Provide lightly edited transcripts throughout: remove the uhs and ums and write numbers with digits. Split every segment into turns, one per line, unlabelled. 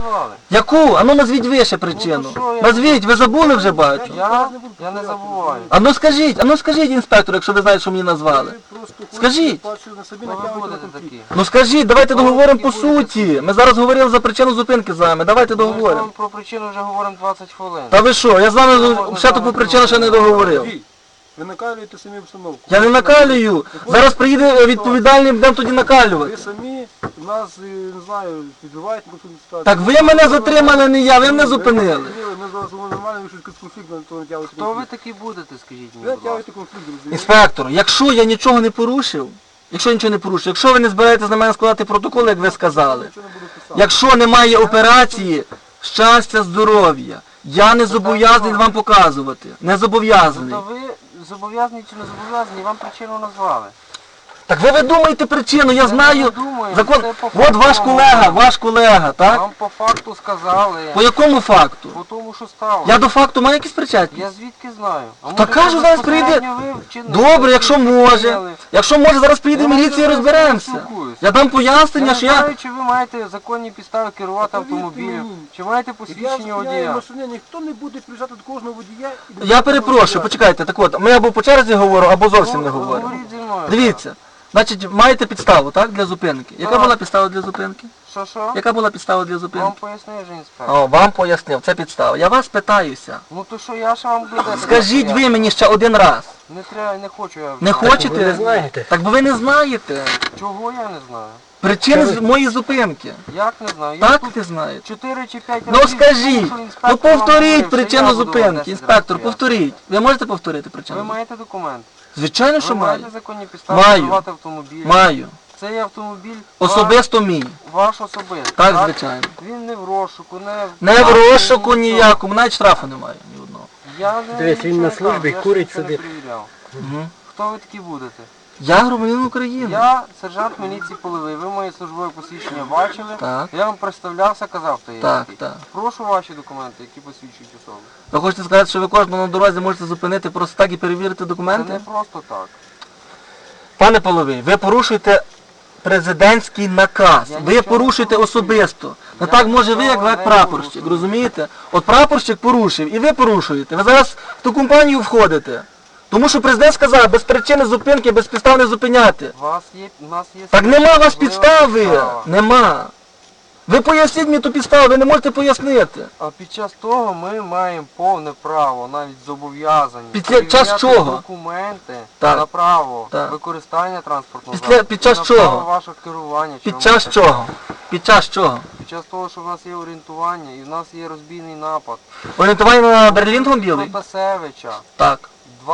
Яку? А ну назвіть ви ще причину. Назвіть, ви забули вже бачу.
Я не забуваю.
А ну скажіть, інспектор, якщо ви знаєте, що мені назвали. Скажіть. Ну скажіть, давайте договоримо по суті. Ми зараз говорили за причину зупинки з вами. Давайте
Ми з
договоримо.
вами про причину вже говоримо 20 хвилин.
Та ви що? Я з вами ще таку причину ще не договорив.
Ви накалюєте самі обстановку.
Я не накалюю. Зараз приїде відповідальний, будемо тоді накалювати.
Ви самі нас, не знаю, підбиваєте на конфлікт ситуацію.
Так ви мене затримали, не я, ви мене зупинили.
Ми зараз нормально вирішуємо конфлікт, то натягуєте
Хто ви
конфлікт.
такі будете, скажіть
Ви
мені, будь ласка?
натягуєте конфлікт, розумієте?
Інспектор, якщо я нічого не порушив, якщо ви не збираєтесь на мене складати протокол, як ви сказали,
Нічого не буду писати.
якщо немає операції, щастя, здоров'я, я не зобов'язаний вам показувати. Не зобов'язаний.
То ви зобов'язані чи не зобов'язані, вам причину назвали.
Так ви видумаєте причину, я знаю.
не думаю,
Закон.
це по
От
факту
ваш колега, так?
Вам по факту сказали,
По якому факту?
по тому, що стало.
Я до факту маю якісь причетність?
Я звідки знаю? А
Та
може,
кажу,
це
зараз прийде.
безпосередньо ви вчинили?
Добре, якщо може.
Вчинили?
Якщо може, зараз приїде
Я
міліція і
не
розберемося.
спілкуюся.
Я дам
Я
пояснення,
не
що я...
знаю, чи ви маєте законні підстави керувати автомобілем,
мені.
чи маєте
Я
посвідчення
зупиняю
водія.
машини, ніхто не буде приїжджати до кожного водія. і
Я перепрошую, почекайте, так от, ми або по черзі говоримо, або зовсім не говоримо.
Говоріть зі мною.
Дивіться, значить, маєте підставу, так, для зупинки. Яка
Так.
була підстава для зупинки?
Що?
Яка була підстава для
Вам
зупинки?
пояснив же інспектор.
О, вам пояснив, це підстава. Я вас питаюся.
Ну то що, я ще вам буду.
Скажіть ви мені ще один раз.
Не треба, не хочу я.
Не хочете?
ви не знаєте.
Так бо ви не знаєте.
Чого я не знаю?
Причини моєї зупинки.
Як не знаю? Я
Так
тут
ти знаєш?
4 чи 5
Ну скажіть, ну повторіть причину
зупинки.
зупинки, інспектор, повторіть. Ви можете повторити
Ви
причину?
маєте документ?
Звичайно,
Ви
що маю.
маєте законні підстави
Маю.
керувати автомобілем?
Маю.
Цей автомобіль
Особисто мій.
ваш особистий.
Так, звичайно.
Він не в розшуку,
Не в розшуку ніякому, навіть штрафу немає ні одного.
Я не
Дивись, він
нічого
на
не
службі,
кажу, я
курить
ще не
собі.
перевіряв.
Угу.
Хто ви такі будете?
Я громадянин України.
Я сержант міліції Половий. Ви моє службове посвідчення бачили.
Так.
Я вам представлявся, казав, хто я
Так,
який.
так.
Прошу ваші документи, які посвідчують особу.
Ви хочете сказати, що ви кожного на дорозі можете зупинити просто так і перевірити
Це
документи?
не просто так.
Пане Половий, ви порушуєте президентський наказ.
Я
Ви
нічого
порушуєте
не порушую.
особисто. Не
Я
так може ви,
нічого
як
не
прапорщик,
порушую.
розумієте? От прапорщик порушив і ви порушуєте. Ви зараз в ту компанію входите. Тому що президент сказав, без причини зупинки, без підстав не зупиняти.
У нас є...
Так нема у вас
можлива
підстави.
підстава.
Нема. Ви поясніть мені ту підставу, ви не можете пояснити.
А під час того ми маємо повне право, навіть зобов'язані,
Під час
перевіряти
чого?
документи
Так.
на право
Так.
використання транспортного
Під час
на
чого?
право вашого керування. чи
Під
ви
час
можете-
чого? Під час чого?
Під час того, що в нас є орієнтування і в нас є розбійний напад.
Орієнтування на Берлінгтон білий?
Протасевича,
Так.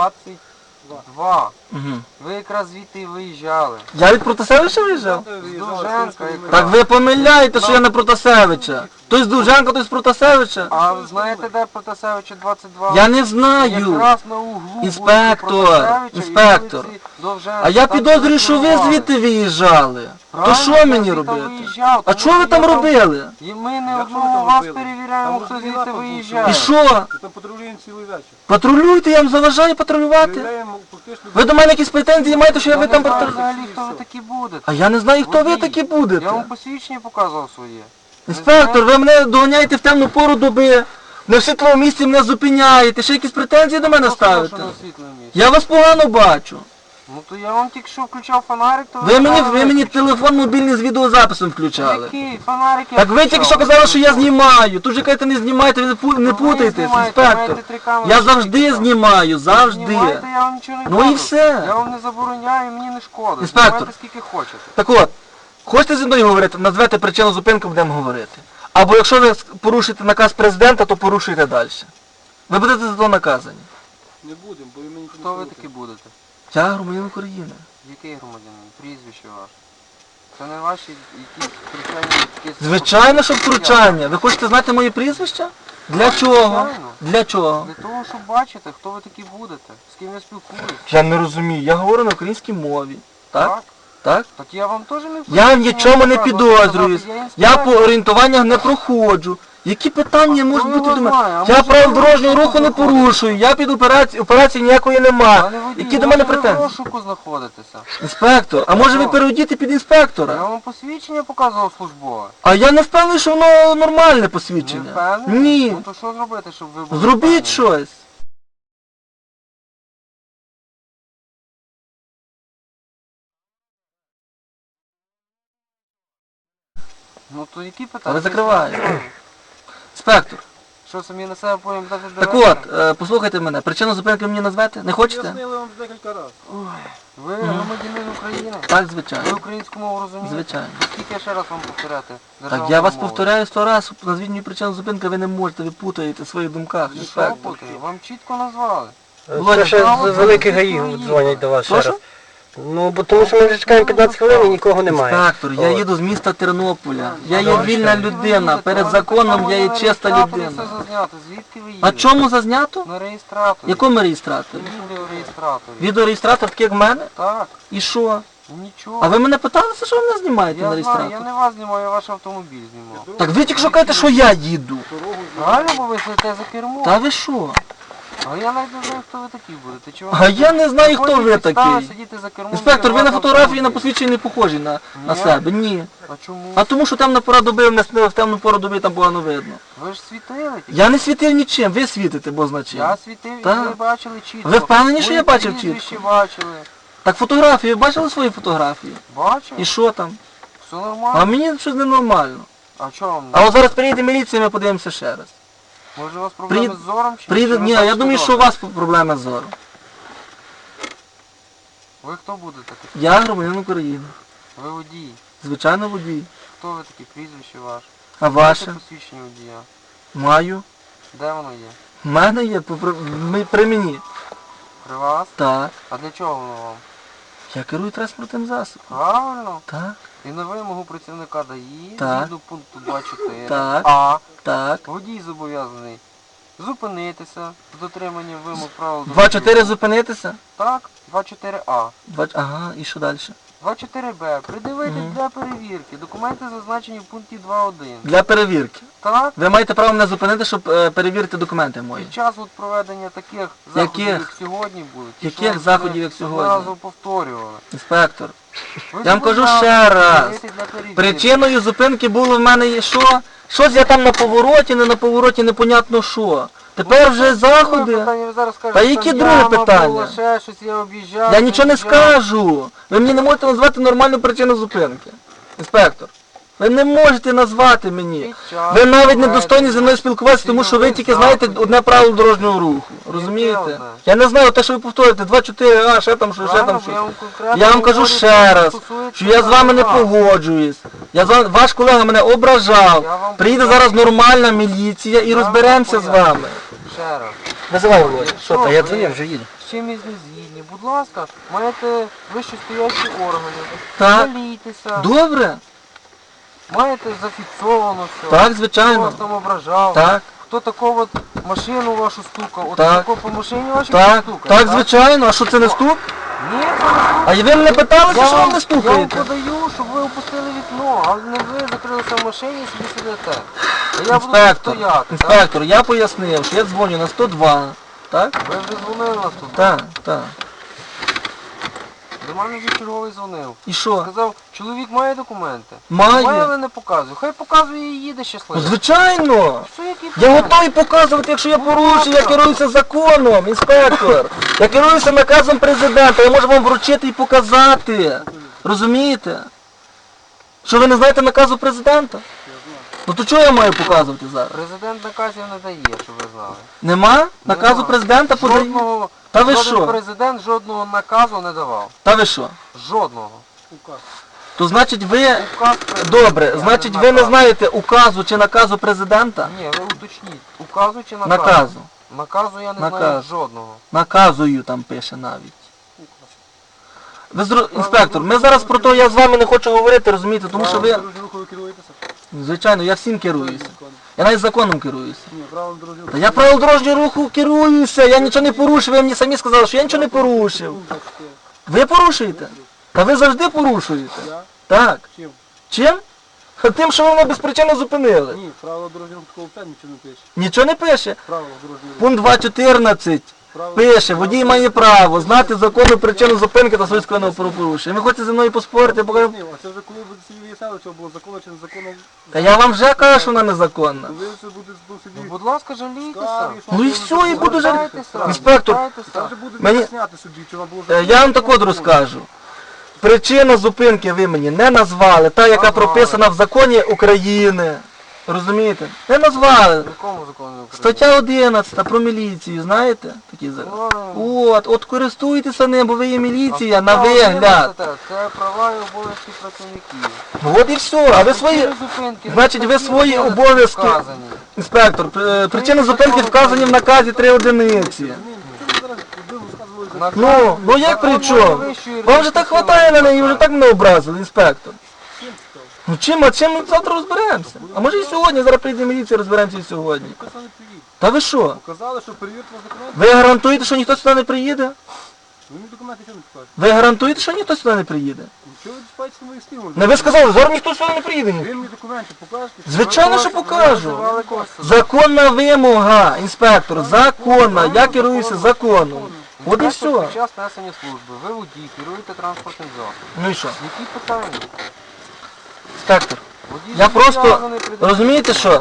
22.
Угу.
Ви якраз звідти і виїжджали.
Я від Протасевича виїжджав?
З Довженка якраз.
Так ви помиляєте, що я не Протасевича. Той з Довженка, той з Протасевича.
А ви знаєте, де Протасевича 22?
Я не знаю.
Якраз на углу
Інспектор,
вулиці Протасевича і
інспектор.
вулиці Довженка.
А я
Там
підозрюю, що ви
зареєстрували.
звідти виїжджали. То
Правильно,
що
я
мені
звідти
робити?
виїжджав,
А
тому
що ви
що
там
я
робили?
І ми не
Як
одного
ви там
вас
робили?
перевіряємо,
Там
хто
розбій
звідти
напад був,
виїжджає.
І що?
Там патрулюємо цілий вечір.
Патрулюйте, я вам заважаю патрулювати.
Перевіряємо фактично...
Ви до мене якісь претензії маєте, що я
Я
ви
не
там
знаю
патрулюєте?
взагалі, хто ви такі будете.
А я не знаю, хто ви
Водій.
такі
Я
будете.
вам посвідчення показував своє.
Інспектор, ви мене доганяєте в темну пору доби. Не в світлому місці мене зупиняєте. Ще якісь претензії до мене ставите? Я вас погано бачу.
Ну то я вам тільки що включав фонарик, то
Ви мені
виключили.
телефон мобільний з відеозаписом включали.
Який фонарик я
Так ви тільки що
включав?
казали, що я знімаю. Тут же кажете, не знімайте, ви не путайтесь,
знімаєте,
інспектор.
маєте 3 камери,
Я
що
завжди
тільки що.
знімаю, завжди.
Знімайте, я вам нічого не
Ну
кажу.
і все.
Я вам не забороняю, мені не шкода.
Інспектор.
Знімайте скільки хочете.
Так от, хочете зі мною говорити, назвете причину зупинки, будемо говорити. Або якщо ви порушите наказ президента, то порушуйте далі. Ви будете за то наказані.
Не будемо, бо ви мені...
Хто ви такі будете?
Я громадянин України.
Який громадянин? Прізвище ваше? Це не ваші якісь втручання? якісь-
Звичайно, що втручання. Ви хочете знати моє прізвище? Для чого?
Звичайно.
Для чого?
Для того, щоб бачити, хто ви такі будете, з ким я спілкуюсь.
Я не розумію. Я говорю на українській мові. Так? Так?
Так я вам теж не
Я в нічому не
показую,
підозрююсь.
сказати,
Я по
інспектор.
орієнтуваннях не проходжу. Які питання можуть
хто
бути
його
до
знає?
мене?
А
Я
може,
правил
ви
дорожнього
в
руху не
розшуку
порушую, я під операції ніякої нема.
Пане водій,
Які до мене
може ви в
претензії?
розшуку знаходитеся?
Інспектор, а може ви
Що?
переодіти під
Я
інспектора?
вам посвідчення показував службове.
А я не впевнений, що воно нормальне
Не
посвідчення.
впевнений?
Ні.
Ну то що зробити, щоб ви були
Зробіть
впевнені?
щось.
Ну то які питання?
Але закриваю.
Що,
Інспектор,
Що самі на себе потім дати
так от, послухайте мене, причину зупинки мені назвете? Не хочете?
Пояснили вам декілька разів.
Ви громадянин України?
Так,
Ви
звичайно.
українську мову розумієте?
Звичайно.
Скільки я ще раз вам повторяти?
Так я вас повторяю 100 разів, назвіть мені причину зупинки, ви не можете, ви путаєте в своїх думках.
Що
Інспектор.
путаю? Вам чітко назвали.
Володя,
Ще
право
з великих
це
гаїв
свої.
дзвонять до вас ще
Прошу?
раз. Ну, бо тому що ми вже чекаємо 15 хвилин і нікого немає.
Інспектор, я
От.
їду з міста Тернополя. Я є
добре.
вільна людина, перед законом я є чиста
Все
людина.
зазнято. Звідки ви їдете?
А чому зазнято?
На реєстраторі.
Якому реєстраторі?
Відеореєстраторі.
Відеореєстратор такий як в мене?
Так,
І що?
нічого.
А ви мене питалися, що ви мене знімаєте на
Я знаю, я
реєстратор?
не вас знімаю, я ваш автомобіль знімав.
Так ви тільки що кажете, що я їду.
Правильно, бо ви сидите за кермом.
Та ви що?
А я навіть не знаю, хто ви такі будете. Чи
А я не знаю, хто ви такий.
Сидіти за кермом,
Інспектор, ви на
керувати
фотографії на
автомобілем.
посвідченні не похожі на
Ні?
себе. Ні.
А чому?
А тому, що темна пора доби, в темну пору доби там погано видно.
Ви ж світили тільки.
Я не світив нічим, ви світите, бо значить.
Я світив і
Так.
ви бачили чітко.
Ви впевнені, що
Ви
я бачив
прізвище
чітко?
бачили.
Так фотографії, ви бачили свої фотографії?
Бачив?
І що там?
Все
А
нормально.
мені щось ненормально.
А чого вам?
А от зараз приїде міліція, ми подивимося ще раз.
Може у вас проблеми з зором? Чи
Приїде,
чи ви
ні, я
бачите
думаю, що у
добре?
вас проблеми з зором.
Ви хто будете такий?
Я громадянин України.
Ви водій.
Звичайно водій.
Хто ви такий? Прізвище ваше?
А
Маєте
ваше?
посвідчення водія?
Маю.
Де воно є?
В мене є при мені.
При вас?
Так.
А для чого воно вам?
Я керую транспортним засобом.
Правильно.
Так.
І на вимогу працівника ДАІ,
Так.
згідно пункту 2.4,
Так.
а
Так.
водій зобов'язаний зупинитися з дотриманням вимог правил
2-4 зупинитися?
Так, 2.4а.
Ага, і що далі?
2.4б. Придивити для перевірки. Документи зазначені в пункті 2.1.
Для перевірки.
Так,
Ви маєте право мене зупинити, щоб перевірити документи мої.
під час от проведення таких заходів,
Яких?
як сьогодні будуть. ті,
Яких
що
заходів,
ви
як сьогодні?
одноразово повторювали.
Інспектор.
Ви
Я вам кажу
зобов'язані
ще раз.
придивити для перевірки.
Причиною зупинки було в мене є що? Щось я там на повороті, не на повороті, непонятно що. Тепер вже
Друге
заходи.
питання, ви зараз скажете,
Та які
там
друге
яма
питання?
була, ще щось, я об'їжджав.
Я нічого не
об'їжджав.
скажу. Ви мені не можете назвати нормальну причину зупинки. Інспектор. Ви не можете назвати мені.
Під час
Ви навіть не
проведення
достойні зі мною спілкуватися, тому що ви тільки знаєте одне правило дорожнього руху. Розумієте?
одне?
Я не знаю те, що ви повторюєте, 2-4, ще там, що, ще там,
Правильно,
що.
я вам конкретно
Я вам кажу
говорю,
ще
що
раз,
стосується
що я з вами не
права.
погоджуюсь. Ваш колега мене
Я
ображав.
вам
Приїде
поясню.
зараз нормальна міліція і
Я вам
розберемося з
поясню.
вами.
Ще раз.
Визивай, Володя.
Якщо
Що, та я
ви
дзвонив, вже їду.
з чимось не згідні, будь ласка, маєте вищестоячі органи.
Так.
Жалійтеся.
Добре?
Маєте зафіксовано все.
Так,
Хто
звичайно.
вас там ображав.
Так,
Хто такого от машину вашу стукав. От
Так.
тако по машині вашій
так,
стукав.
так, звичайно. А що це не стук?
Ні, це не стук.
А ви мене питалися, що ви не
Я вам
стукаєте?
подаю, щоб ви опустили вікно, а не ви закрилися в машині і собі сидите. А я буду тут
Інспектор,
стояти. так?
інспектор, я пояснив, що я дзвоню на 102. Так?
Ви вже дзвонили нас тут.
Так, так.
До мене вже черговий дзвонив.
І що?
Сказав, чоловік має документи.
Має.
Має, але не показує. Хай показує і їде
Ну,
щасливо.
звичайно.
Що, які
Я
питання?
готовий показувати, якщо я порушую, я керуюся законом, інспектор. Я керуюся наказом президента, я можу вам вручити і показати. Розумієте? Що ви не знаєте наказу президента? Ну то чого я маю показувати зараз?
Президент наказів не дає, щоб ви знали.
Нема? Наказу
Нема.
президента подає?
Жодного,
Та ви
жоден
що?
президент жодного наказу не давав.
Та ви що?
Жодного.
То значить ви...
Указ президента,
Добре,
а
значить ви не
наказ.
знаєте указу чи наказу президента?
Ні, ви уточніть. Указу чи наказу?
Наказу.
Наказу я не знаю
Наказ.
жодного.
Наказую там пише навіть. Інспектор, ми зараз про те, я з вами не хочу говорити, розумієте, тому що ви...
Дорожнього руху ви керуєтеся?
Звичайно, я всім керуюся. Я навіть законом керуюся.
Ні, правилом дорожнього
Та я правил дорожнього руху керуюся, я нічого не порушив, ви мені самі сказали, що я нічого не порушив.
руху. 24.
Ви порушуєте? Та ви завжди порушуєте.
Я?
Так.
Чим?
Чим? Тим, що ви мене без причини зупинили.
Ні, правила дорожнього руху такого п'ять нічого не пише.
Нічого не пише.
Правила дорожнього руху.
Пункт 2.14 пише, водій має право знати законну причину зупинки та свої правопорушення. Ви хочете зі мною поспорити, я покажу.
А це вже коли буде собі виясняли, що було законно чи незаконно.
Та я вам вже кажу, що вона незаконна.
Ви це буде до
Ну,
собі.
будь ласка, жалійтеся.
скарги, що
Ну і
було
все, і
незаконно.
буду жаль.
Звертайтеся,
Інспектор,
звертайтеся.
Там вже буде
Мені-
виясняти собі, чи вона було
Я вам так от розкажу. Причину зупинки ви мені не назвали, та, яка
Назвали.
прописана в законі України. Розумієте? Не назвали.
В якому законі України?
Стаття 11 про міліцію, знаєте? Такі зараз. От користуйтеся ним, бо ви є міліція на вигляд.
Це права і обов'язки працівників.
От і все. А ви свої.
Зупинки,
Значить, ви свої
обов'язки
обов'язки.
вказані.
Інспектор, причини зупинки вказані в наказі 3 одиниці. Ну як при чому? Вам же так хватає на неї, вже так мене образили, інспектор. Ну чим, а чим ми завтра розберемося? А може і сьогодні, зараз прийде міліція, розберемося і сьогодні. Та ви що?
Показали, що перевірка вас документи.
Ви гарантуєте, що ніхто сюди не приїде?
Ви мені документи чого не покажете?
Ви гарантуєте, що ніхто сюди не приїде?
Чого ви спаєте мої стимули?
Не ви сказали, зараз ніхто сюди не приїде.
Ви мені документи покажете?
Звичайно, що покажу.
Називали кошти.
Законна вимога, інспектор, законна. Я керуюся законом. От і
Інспектор,
все.
Під час несення служби ви водій, керуєте транспортним засобом.
Ну і що?
Які питання?
Інспектор,
Водій
я просто,
зобов'язаний придивити-
розумієте що?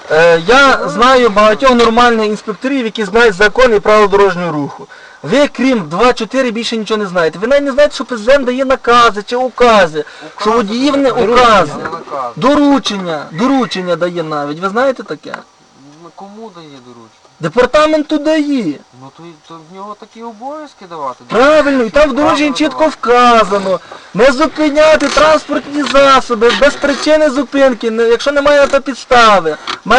Я знаю багатьох нормальних інспекторів, які знають закон і правила дорожнього руху. Ви, крім 2.4, більше нічого не знаєте. Ви навіть не знаєте, що президент дає накази чи укази, що водіїв не укази.
Не наказ.
Доручення дає навіть. Ви знаєте таке?
Ну, кому дає доручення?
Департаменту дає.
Ну то в нього такі обов'язки давати.
Правильно, і там в дорожній чітко вказано. Не зупиняти транспортні засоби без причини зупинки, якщо немає на то підстави.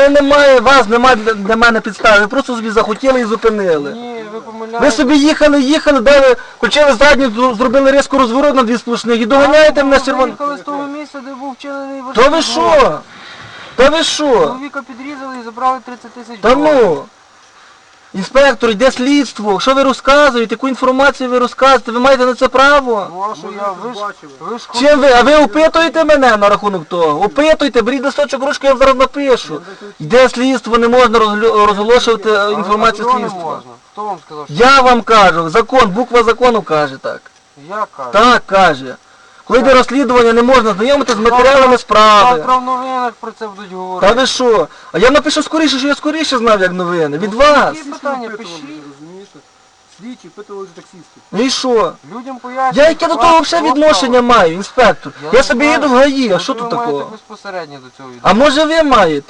Вас немає для мене підстави, ви просто собі захотіли і зупинили.
Ні, ви
Ви
помиляєтесь.
собі їхали, дали, включили задню, зробили різко розворот на 2 сплошних і доганяєте мене з
Ви
червоним.
їхали з того місця, де був вчинений
Та ви
важкий
що? Та ви що?
Чоловіка підрізали і забрали 30 тисяч
Та ну! Інспектор, йде слідство. Що ви розказуєте? Яку інформацію ви розказуєте? Ви маєте на це право?
Ну а що я, ви ж
Чим ви? А ви опитуєте мене на рахунок того? Опитуйте, беріть листочок ручку, я вам зараз напишу. Йде слідство, не можна розголошувати інформацію
а чого не
слідства.
можна? Хто вам сказав, що
Я вам кажу, закон, буква закону каже так.
я кажу?
Так каже. Коли йде розслідування, не можна знайомитися з матеріалами справи.
Завтра в новинах про це будуть
Та
говорити.
ви що? А я напишу скоріше, що я скоріше знав, як новини. Від вас.
Які питання пишіть.
Розумієте? Слідчі питали таксисти.
Ну і що?
Людям пояснюють.
Я яке до того взагалі відношення маю, інспектор? Я
не
собі
знаю.
їду в ГАІ, а
Ну,
що
то
тут
ви маєте
такого?
безпосередньо до цього
А може ви маєте?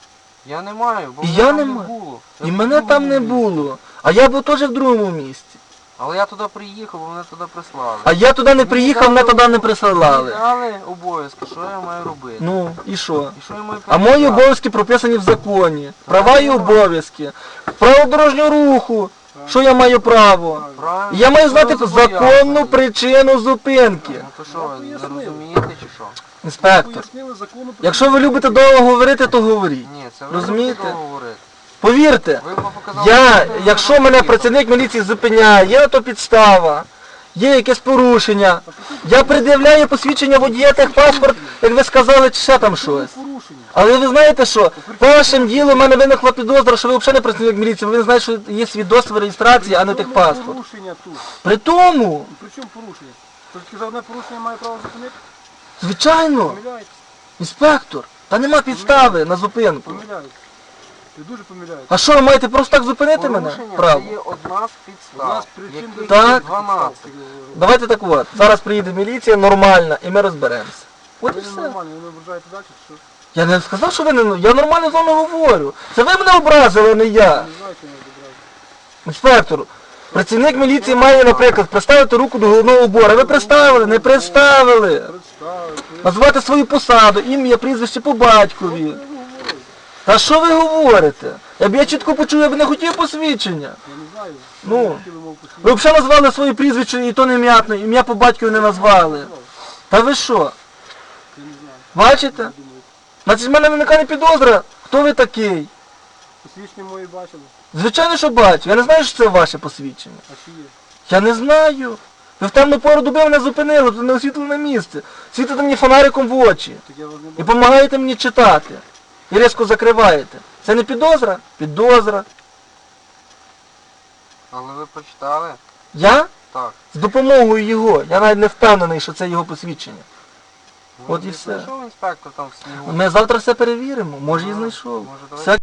Я не маю, бо
І
мене
я
там
не
не
маю.
було.
І
Я
мене
був
там не
у місті.
було. А я був теж в другому місці.
Але я туди приїхав, бо мене туди прислали.
А я туди не приїхав, мене туди не присилали.
Але обов'язки, що я маю робити?
Ну, і що?
І що я маю
А мої
перевіряти?
обов'язки прописані в законі. Права і обов'язки. Право дорожнього руху. Що я маю право?
Правильно.
Я маю знати
Що ви
законну
зобов'язані?
причину зупинки.
Ну то що, ви не розумієте чи що?
Інспектор,
Пояснили закону про...
якщо ви любите довго говорити, то говоріть.
Ні, це ви
Розумієте?
робите говорити.
Повірте,
Ви показали,
якщо мене працівник міліції зупиняє, є на то підстава, є якесь порушення, я пред'являю посвідчення водія, техпаспорт, як ви сказали, чи ще там щось.
порушення.
Але ви знаєте що, по вашим ділу в мене виникла підозра, що ви взагалі не працівник міліції, ви не знаєте, що є свідоцтво реєстрації, а не
При чому
техпаспорт.
порушення тут?
При тому,
При чому порушення? Тільки за одне порушення має право зупинити?
звичайно,
Помиляєтесь.
інспектор, та нема підстави на зупинку.
Помиляєтесь. Ви дуже помиляєтесь.
А що, ви маєте просто так зупинити мене?
порушення
Право.
це є одна з
У
підстав.
нас причин
яких
Так.
12.
Давайте так от, зараз приїде міліція нормальна і ми розберемося. От і
Ви не
все.
нормальні, ви не ображаєте далі, чи що?
Я не сказав, що ви не... Я нормально з вами говорю. Це ви мене образили, а не я.
Не знаєте, не ображаєте.
Інспектор, працівник міліції має, наприклад, приставити руку до головного убору. Ви приставили? Не приставили.
Представити.
Назвати свою посаду, ім'я, прізвище по батькові. Та що ви говорите? Я чітко почув, я б не хотів посвідчення.
Я не знаю.
Ну.
Ви хотіли мов посвідчення.
Ви взагалі назвали своє прізвище і то не м'ятне, ім'я по батькові не назвали. Та ви що?
Я не знаю.
Бачите?
Думаю,
Значить, в мене виникає підозра, хто ви такий.
посвідчення мої бачили.
Звичайно, що бачу. Я не знаю, що це ваше посвідчення.
А чи є?
Я не знаю. Ви в темну пору доби мене зупинили, тут не освітлене місце. Світите мені фонариком в очі.
Так я вас не
І
бачу.
допомагаєте мені читати. І різко закриваєте. Це не підозра? Підозра.
Але ви прочитали?
Я?
Так.
З допомогою його. Я навіть не впевнений, що це його посвідчення. От і
Може,
все.
знайшов інспектор там в снігу?
Ми завтра все перевіримо. Може і
Ну,
знайшов.
може, давайте
Все